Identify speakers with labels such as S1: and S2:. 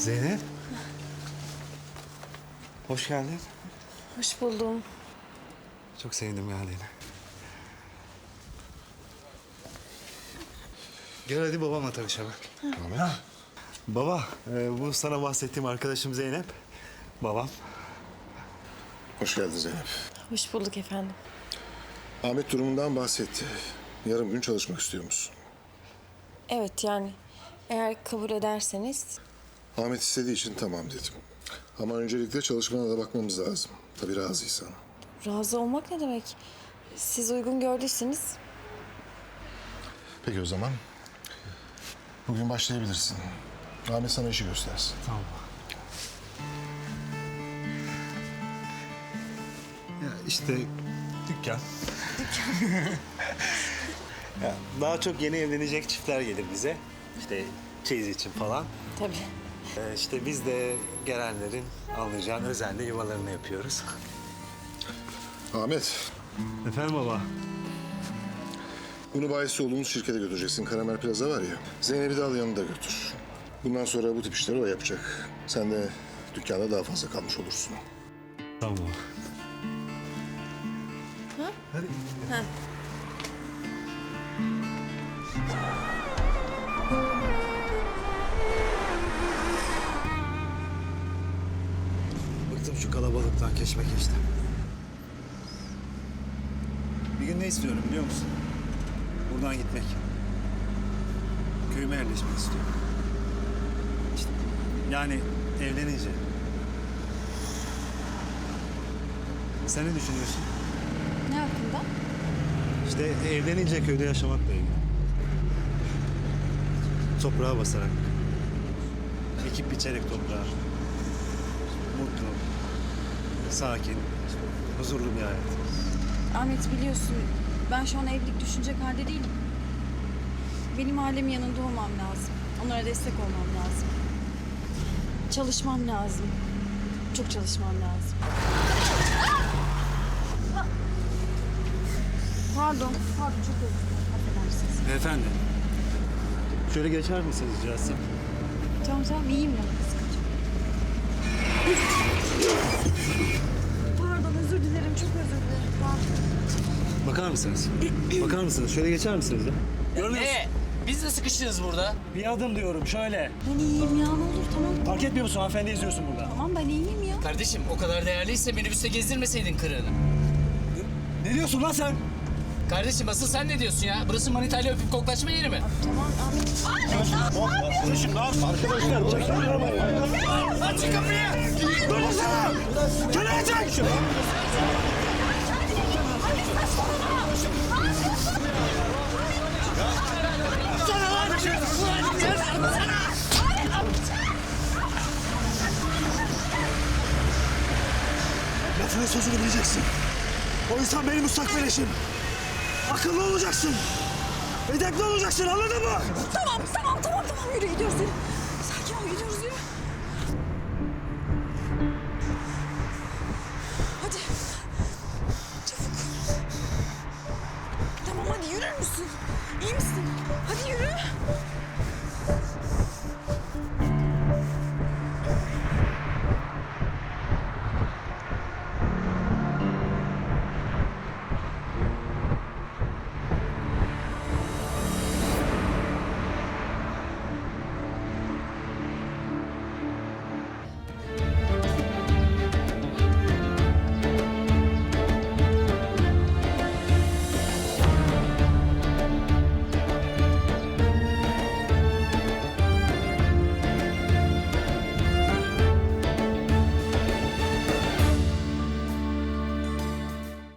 S1: Zeynep. Hoş geldin.
S2: Hoş buldum.
S1: Çok sevindim geldiğine. Gel hadi babamla tanışalım. Tamam. Baba, bu sana bahsettiğim arkadaşım Zeynep. Babam.
S3: Hoş geldin Zeynep.
S2: Hoş bulduk efendim.
S3: Ahmet durumundan bahsetti. Yarım gün çalışmak istiyor musun?
S2: Evet yani eğer kabul ederseniz.
S3: Ahmet istediği için tamam dedim. Ama öncelikle çalışmana da bakmamız lazım. Tabii razıysan.
S2: Razı olmak ne demek? Siz uygun gördüyseniz.
S3: Peki o zaman. Bugün başlayabilirsin. Ahmet sana işi göstersin.
S1: Tamam. Ya işte dükkan. Ya daha çok yeni evlenecek çiftler gelir bize. İşte çeyiz için falan.
S2: Tabii.
S1: İşte biz de gelenlerin anlayacağın özenle yuvalarını yapıyoruz.
S3: Ahmet,
S1: Efendim baba?
S3: bunu bahisi olduğumuz şirkete götüreceksin. Karamel Plaza var ya. Zeynep'i de al yanında götür. Bundan sonra bu tip işleri o yapacak. Sen de dükkanda daha fazla kalmış olursun.
S1: Tamam.
S2: Ha?
S1: Hadi.
S2: Ha.
S1: Bıktım şu kalabalıktan, keşmekeşten. Bir gün ne istiyorum biliyor musun? Buradan gitmek. Köyüme yerleşmek istiyorum. İşte, yani evlenince. Sen ne düşünüyorsun?
S2: Ne hakkında?
S1: İşte evlenince köyde yaşamakla ilgili. Toprağa basarak. Ekip biçerek toprağa. Mutlu, sakin, huzurlu bir hayat.
S4: Ahmet biliyorsun ben şu an evlilik düşünecek halde değilim. Benim ailemin yanında olmam lazım. Onlara destek olmam lazım. Çalışmam lazım. Çok çalışmam lazım. Pardon çok özür dilerim. Affedersiniz.
S1: Efendim, şöyle geçer misiniz rica etsem?
S4: Tamam iyiyim ben. Pardon özür dilerim çok özür dilerim. Pardon.
S1: Bakar mısınız? Bakar mısınız? Şöyle geçer misiniz ya? Görmüyor musun?
S5: Biz de sıkıştınız burada.
S1: Bir adım diyorum şöyle.
S4: Ben iyiyim ya ne olur tamam.
S1: Fark etmiyor musun? Hanımefendi izliyorsun burada.
S4: Tamam ben iyiyim ya.
S5: Kardeşim o kadar değerliyse minibüste gezdirmeseydin kırığını.
S1: Ne diyorsun lan sen?
S5: Kardeşim asıl sen ne diyorsun ya? Burası manitayla öpüp koklaşma yeri mi?
S4: Tamam Ahmet.
S1: Kardeşim ne yapıyorsun? Arkadaşlar çekin arabayı.
S5: Aç şu kapıyı!
S1: Durmasana! Kenara çek! Sana lan! Lafının sözünü bileceksin. O insan benim müstakbel eşim. Akıllı olacaksın. Edepli olacaksın anladın mı?
S4: Tamam yürü gidiyoruz.